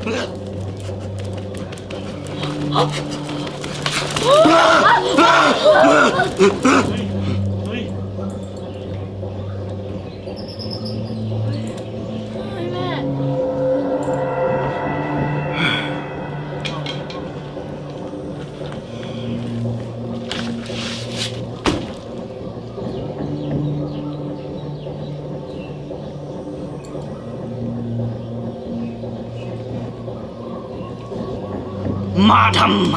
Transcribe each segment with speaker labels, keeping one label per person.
Speaker 1: มาทำไม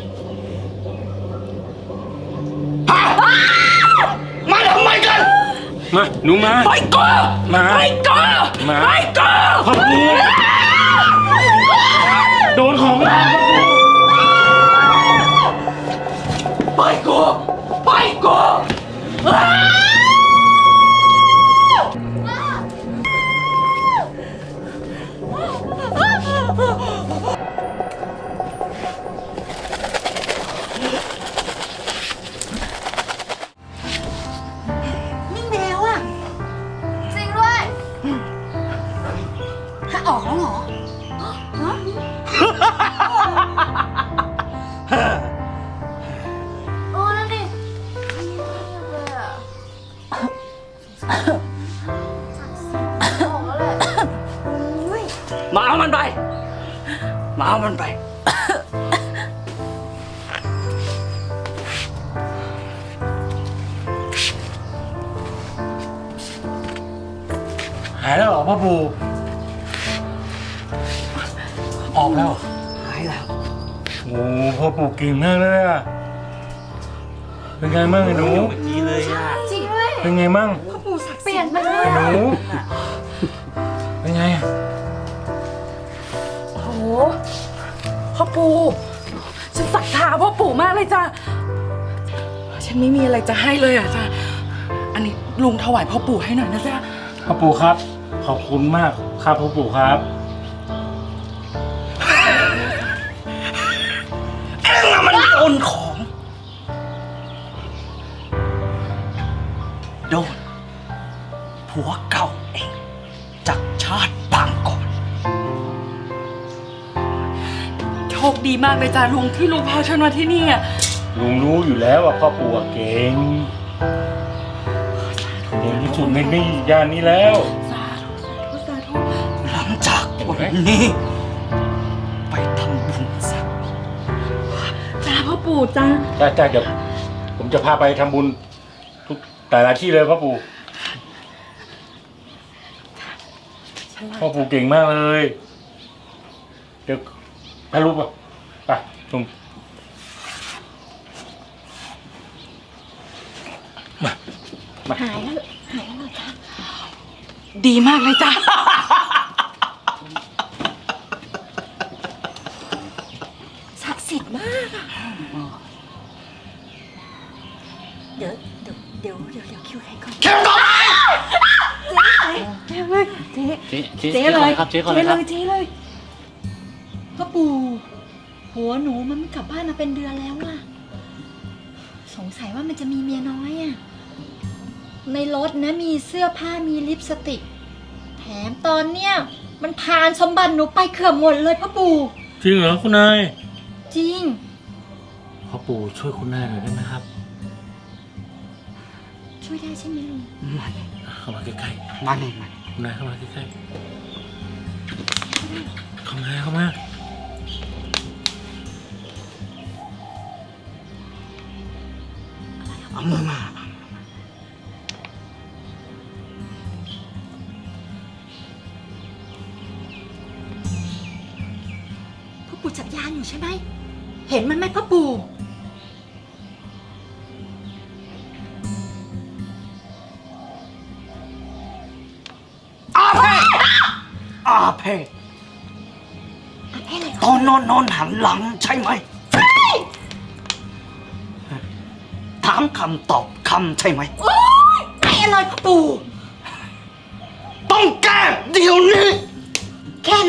Speaker 1: มาทำไมกัน
Speaker 2: มาหนูมา
Speaker 1: ไปก่อน
Speaker 2: มา
Speaker 1: ไปก่อนไปก่อน
Speaker 2: พ่อปู่โดนของ
Speaker 1: ไปก่อนไปก่อน
Speaker 3: นิ่งไปแล้วอะจริงด้วยถ้าออกแล้วเหรอฮะโอ้นั่นดิเลยอะออกแล้วแหละ
Speaker 1: มาเอามันไปมาเอามันไป
Speaker 2: หายแล้วเหรอพ่อปู่ออกแล้ว
Speaker 1: หายแล้ว
Speaker 2: โอ้พ่อปู่เก่งมากเลยอะเป็นไงมั่งไอ้หนู
Speaker 1: ดีเลยอ่ะ
Speaker 3: จริงด้วย
Speaker 2: เป็นไงมั่ง
Speaker 3: พ่อปู่ศักดิ์เปลี่ยนไปเลย
Speaker 2: ไอ้หนูเป็นไงอะ
Speaker 4: โอ้โหพ่อปู่ฉันศรัทธาพ่อปู่มากเลยจ้ะฉันไม่มีอะไรจะให้เลยอ่ะจ้ะอันนี้ลุงถวายพ่อปู่ให้หน่อยนะจ๊ะ
Speaker 2: พ่อปู่ครับขอบคุณมากครับพ่อปู่ครับ
Speaker 1: เอ็งอะมันโดนของโดนผัวเก่าเองจากชาติปางก่อน
Speaker 4: โชคดีมากเลยจ้ะลุงที่ลุงพาฉันมาที่นี่อ่ะ
Speaker 2: ลุงรู้อยู่แล้วว่าพ่อปู่เก่งเก่งที่สุดในนี่ย่านนี้แล้ว
Speaker 4: สาธุสาธุสาธุ
Speaker 1: หลังจากวันนี้ไปทำบุญซะ
Speaker 4: จ้าพ่อปู่จ้า
Speaker 2: จ้าเดี๋ยวผมจะพาไปทำบุญทุกแต่ละที่เลยพ่อปู่พ่อปู่เก่งมากเลยเดี๋ยวถ่ายรูปป่ะไปลุงมา
Speaker 3: หายแล้วเหรอจ๊ะ
Speaker 4: ดีมากเลยจ้ะ
Speaker 3: ศักดิ์สิทธิ์มากอะเดี๋ยวคิวใครก่อน
Speaker 1: เข้มก่อน
Speaker 3: เจ๊เลยเจ๊เลยครับเจ๊เลยพ่อปู่หัวหนูมันไม่กลับบ้านมาเป็นเดือนแล้วอะสงสัยว่ามันจะมีเมียน้อยอะในรถนะมีเสื้อผ้ามีลิปสติกแถมตอนเนี้ยมันพานสมบัติหนูไปเกือบหมดเลยพ่อปู่
Speaker 2: จริงเหรอคุณนาย
Speaker 3: จริง
Speaker 2: พ่อปู่ช่วยคุณนายหน่อยได้ไหมครับ
Speaker 3: ช่วยได้ใช่ไหมลุง
Speaker 2: เข้ามาใกล้
Speaker 1: มาหนึ่งมา
Speaker 2: ๆคุณนายเข้ามาใกล้ๆเข้ามา
Speaker 1: เอามือมา
Speaker 3: พ่อปู่จับยานอยู่ใช่ไหมเห็นมันไหมพ่อปู่
Speaker 1: อาเพศตอนนอนหันหลังใช่ไหมถามคำตอบคำใช่ไหม
Speaker 3: โอ๊ยไอ้อะไรพ่อปู่
Speaker 1: ต้องแก้เดี๋ยวนี้
Speaker 3: แค่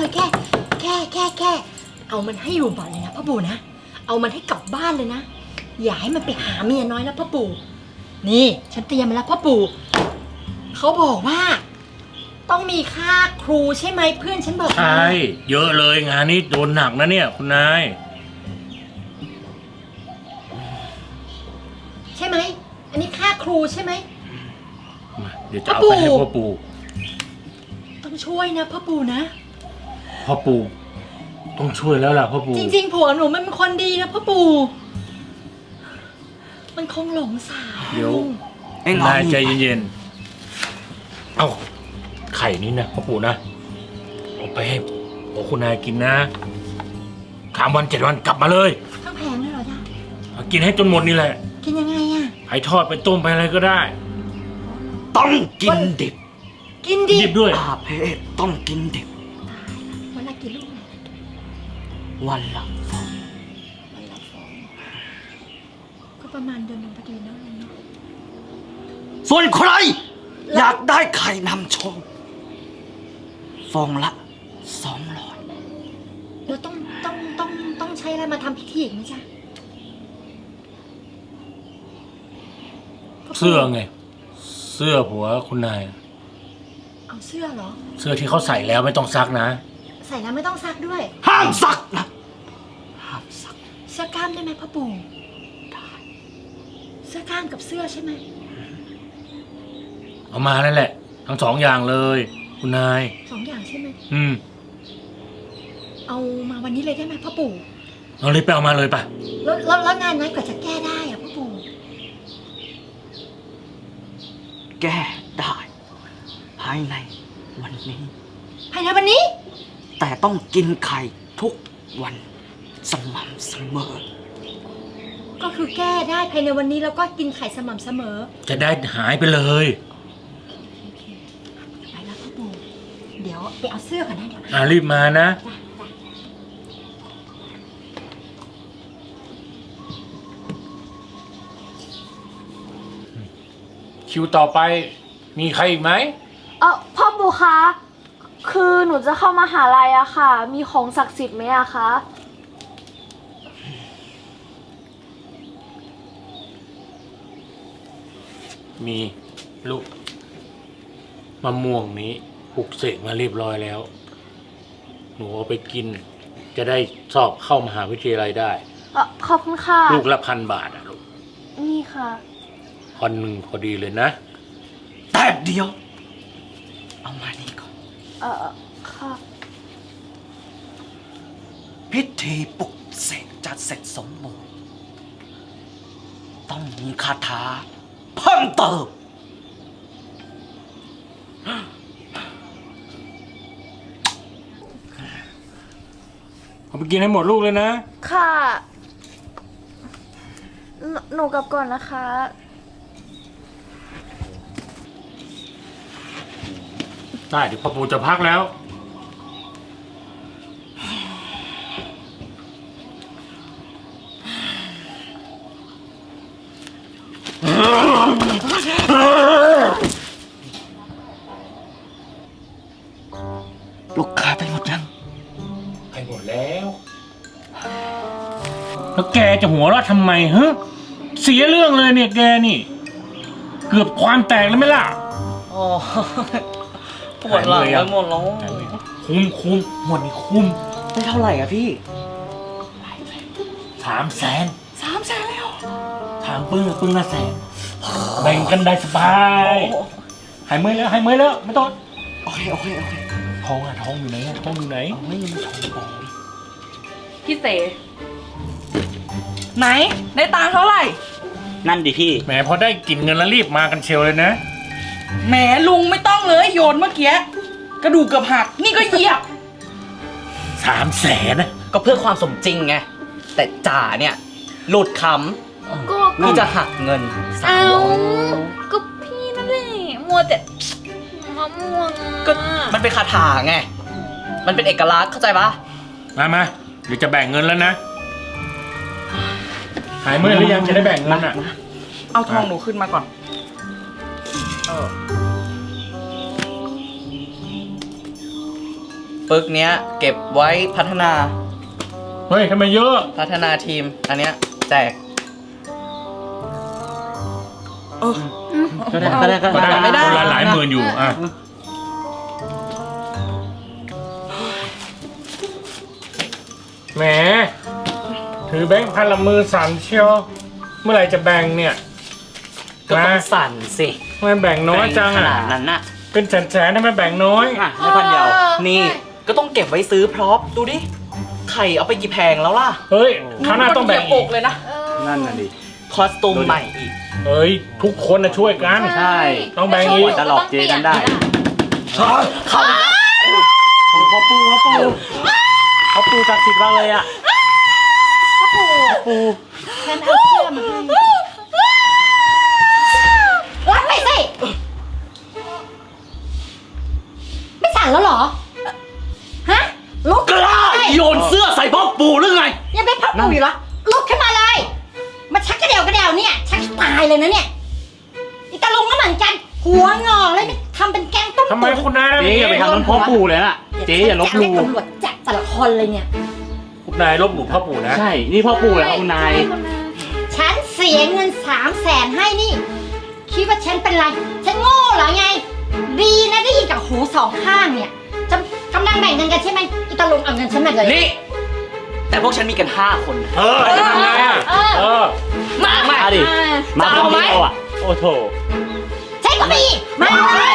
Speaker 3: เอามันให้อยู่บ่อนเลยนะพ่อปู่นะเอามันให้กลับบ้านเลยนะอย่าให้มันไปหาเมียน้อยแล้วพ่อปู่นี่ฉันเตรียมมาแล้วพ่อปู่เขาบอกว่าต้องมีค่าครูใช่ไหมเพื่อนฉันบอกมา
Speaker 2: ใช่เยอะเลยงานนี้โดนหนักนะเนี่ยคุณนาย
Speaker 3: ใช่ไหมอันนี้ค่าครูใช่ไหม
Speaker 2: มาเดี๋ยวจะเอาไปให้พ่อปู่
Speaker 3: ต้องช่วยนะพ่อปู่นะ
Speaker 2: พ่อปู่ต้องช่วยแล้วล่ะพ่อปู่
Speaker 3: จริงๆผัวหนูมันเป็นคนดีนะพ่อปู่มันคงหลงสาว
Speaker 2: เดี๋ยว
Speaker 1: เอ็ง
Speaker 2: นายใจเย็นๆเอาไข่นี้นะพ่อปู่นะเอาไปให้พ่อคุณนายกินนะ3 วัน 7 วันกลับมาเลย
Speaker 3: ทั้งแพงเลยเหรอจ๊ะ
Speaker 2: เอากินให้จนหมดนี่แหละ
Speaker 3: กินยังไงอะ
Speaker 2: ไปทอดไปต้มไปอะไรก็ได้
Speaker 1: ต้องกินดิบ
Speaker 3: กินดิ
Speaker 2: หยิบด้วย
Speaker 1: อาเพศต้องกินดิบ
Speaker 3: วันละกี่ลูก
Speaker 1: วันละฟอง
Speaker 3: วันละฟองก็ประมาณเดือนหนึงพอดีนะลุงเนาะ
Speaker 1: ส่วนใคร อยากได้ไข่นำโชคฟองละ200
Speaker 3: แล้วต้องใช้อะไรมาทำพิธีอีกไหมจ๊ะ
Speaker 2: เสื้อไง เสื้อผัวคุณนาย
Speaker 3: เอาเสื้อเหรอ
Speaker 2: เสื้อที่เขาใส่แล้วไม่ต้องซักนะ
Speaker 3: ใส่แล้วไม่ต้องซักด้วย
Speaker 1: ห้ามซักนะห้ามซัก
Speaker 3: เสื้อกล้ามได้ไหมพ่อปู่ได้เสื้อกล้ามกับเสื้อใช่ไหม
Speaker 2: เอามานั่นแหละ ทั้ง2 อย่างเลย คุณนาย
Speaker 3: 2 อย่างใช่ไหม เอามาวันนี้เลยได้ไหมพ่อปู่
Speaker 2: เอาเลยไปเอามาเลยป่ะ
Speaker 3: แล้วงานนั้นกว่าจะแก้ได้อะพ่อปู่
Speaker 1: แก้ได้ภายในวันนี้
Speaker 3: ภายในวันนี้
Speaker 1: แต่ต้องกินไข่ทุกวันสม่ำเสมอ
Speaker 3: ก็คือแก้ได้ภายในวันนี้แล้วก็กินไข่สม่ำเสมอ
Speaker 2: จะได้หายไปเลย
Speaker 3: โอเคไปแล้วพ่อปู่เดี๋ยวไปเอาเสื้อก่อนนะเดี๋ยว
Speaker 2: รีบมานะ
Speaker 3: จ้ะ
Speaker 2: คิวต่อไปมีใครอีกไหม
Speaker 5: พ่อปู่คะ คือหนูจะเข้ามหาลัยอะค่ะ มีของศักดิ์สิทธิ์ไหมอะคะ
Speaker 2: มีลูกมะม่วงนี้ปลุกเสกมาเรียบร้อยแล้ว หนูเอาไปกิน จะได้สอบเข้ามหาวิทยาลัยได้
Speaker 5: ขอบคุณค่ะ
Speaker 2: ลูกละ1,000 บาทอะลูก
Speaker 5: นี่ค่ะ
Speaker 2: 1,000 พอดีเลยนะ
Speaker 1: แต่เดียว เอามานี่ก่อน
Speaker 5: ค่ะ
Speaker 1: พิธีปลุกเสกจะเสร็จสมบูรณ์ต้องมีคาถาเพิ่มเติม
Speaker 2: เอาไปกินให้หมดลูกเลยนะ
Speaker 5: ค่ะ หนูกลับก่อนนะคะ
Speaker 2: ได้เดี๋ยวพ่อปู่จะพักแล้ว
Speaker 1: ลูกค้าไปหมดยัง
Speaker 2: ไปหมดแล้ว แล้วแกจะหัวเราะทำไมฮะเสียเรื่องเลยเนี่ยแกนี่ เกือบความแตกแล้วไหมล่ะ
Speaker 1: อ๋อ ปวดหลังไปหมดแล้ว
Speaker 2: คุ้มหมดนี่คุ้ม
Speaker 1: ได้เท่าไหร่อะพี่
Speaker 2: 300,000
Speaker 1: 300,000แล้ว
Speaker 2: ถามปึ้งละ100,000แบ่งกันได้สบายหายเมื่อยแล้วไม่ต้อง
Speaker 1: โอเค
Speaker 2: ทองอยู่ไหนทองอยู่ไหน
Speaker 1: เอาไม่ยังไม่ชมบอก
Speaker 4: พี่เสไหน ได้ตังค์เท่าไหร่
Speaker 1: นั่นดิพี่
Speaker 2: แหมพอได้กลิ่นเงินแล้วรีบมากันเชียวเลยนะ
Speaker 4: แหมลุงไม่ต้องเลยโยนเมื่อกี้ กระดูกเกือบหัก นี่ก็เหยียบ
Speaker 2: 300,000นะ
Speaker 6: ก็เพื่อความสมจริงไง แต่จ่าเนี่ย หลุดค
Speaker 5: ก็
Speaker 6: ำที่จะหักเงิน
Speaker 5: เอาก็พี่นั่นแหละมัวแต่มะม่วง
Speaker 6: ก็มันเป็นคาถาไง มันเป็นเอกลักษณ์เข้าใจปะ
Speaker 2: มาเดี๋ยวจะแบ่งเงินแล้วนะ หายเมื่อยหรือยังจะได้แบ่งเงินอ่ะ
Speaker 4: เอาทองหนูขึ้นมาก่อน
Speaker 6: ปึกเนี้ย เก็บไว้พัฒนา
Speaker 2: เฮ้ยทำไมเยอะ
Speaker 6: พัฒนาทีม อันเนี้ยแจก
Speaker 4: เออ
Speaker 1: ก็ได้
Speaker 2: ก็ได้คนละหลายหมื่นอยู่อ่ะแหมถือแบงค์พันละมือสั่นเชียวเมื่อไหร่จะแบ่งเนี่ย
Speaker 6: ก็ต้องสั่นสิ
Speaker 2: ทำไมแบ่งน้อยจัง
Speaker 6: ข
Speaker 2: อ่ะ
Speaker 6: นาดนั้นน่ะ
Speaker 2: เป็นแสนๆทำไมแบ่งน้อย
Speaker 6: อ่ะไม่พันเดียว นี่ก็ต้องเก็บไว้ซื้อพร็อพดูดิ ไข่เอาไปกี่แพงแล้วล่ะ
Speaker 2: เฮ้ยคราวหน้าต้องแบ่ง
Speaker 4: เหยีย
Speaker 2: อี
Speaker 4: บอก เลยนะ
Speaker 1: นั่นน่ะดิ
Speaker 6: คอสตูมใหม่อีก
Speaker 2: เฮ้ยทุกคนนะช่วยกัน
Speaker 1: ใช่
Speaker 2: ต้องแบ่งอีก
Speaker 1: จะหลอกเจ๊กันได้
Speaker 6: พ่อปูศักดิ์สิทธิ์มากเลยอ่ะ
Speaker 3: ฉันเอาเสื้อมาให้รับไปสิ ไม่สั่นแล้วเหรอ ฮะ ลุก
Speaker 1: กล้าโยนเสื้อใส่พ่อปู่หรือไง
Speaker 3: ยังไม่พับปูอยู่เหรอ ลุกขึ้นมาเลย มาชักกระเดี่ยวเนี่ย ชักตายเลยนะเนี่ยอีตาลุงก็เหมือนกัน หัวงอกเลยทำเป็นแกงต้ม
Speaker 2: ทำไมคุณนาย
Speaker 1: เจ๊อย่าไปทำนั้นพ่อปู่เลยน่ะ เจ๊อย่าลบหลู่
Speaker 3: ตำรวจจับแต่ละคนเลยเนี่ย
Speaker 2: คุณนายลบหลู่พ่อปู่นะ
Speaker 1: ใช่ นี่พ่อปู่แล้วคุณนาย
Speaker 3: ฉันเสียเงิน300,000ให้นี่ คิดว่าฉันเป็นไร ฉันโง่เหรอไง ดีนะได้ยินกับหูสองข้างเนี่ย จะกำลังแบ่งเงินกันใช่ไหมอีตาลุงเอาเงินฉันมาเลย
Speaker 6: นี่ แต่พวกฉันมีกัน5 คนนะ
Speaker 2: จะทำไงอ่ะ
Speaker 1: มาดิ มาคนเดียวอ่ะ โอ้โถ
Speaker 3: ใช่ก็มีมาเลย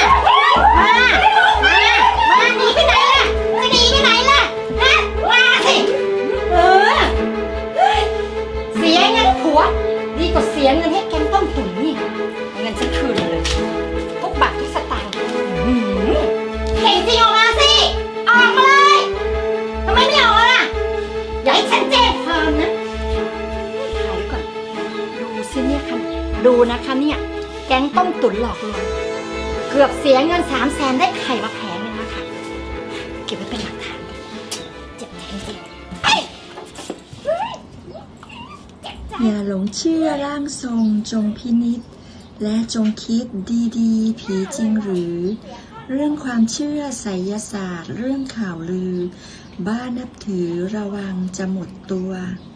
Speaker 3: มาหนีไปไหนล่ะ จะหนีไปไหนล่ะฮะมาสิเสียเงินผัว ดีกว่าเสียเงินให้แกงต้มตุ๋นนี่เอาเงินฉันคืนเลย ทุกบาททุกสตางค์เก่งจริงออกมาสิ ออกมาเลยทำไมไม่ออกล่ะ อย่าให้ฉันแจ้งความนะถ่ายก่อน ดูสิเนี่ยค่ะดูนะคะเนี่ย แก๊งต้มตุ๋นหลอกลวงเกือบเสียเงิน300,000ได้ไข่มาแผงนึงแล้วค่ะเก็บไว้เป็นหลักฐานเจ็บใจจริงๆ
Speaker 7: อย่าหลงเชื่อร่างทรงจงพินิจและจงคิดดีๆ ผีจริงหรือ เรื่องความเชื่อไสยศาสตร์เรื่องข่าวลือ บ้านับถือระวังจะหมดตัว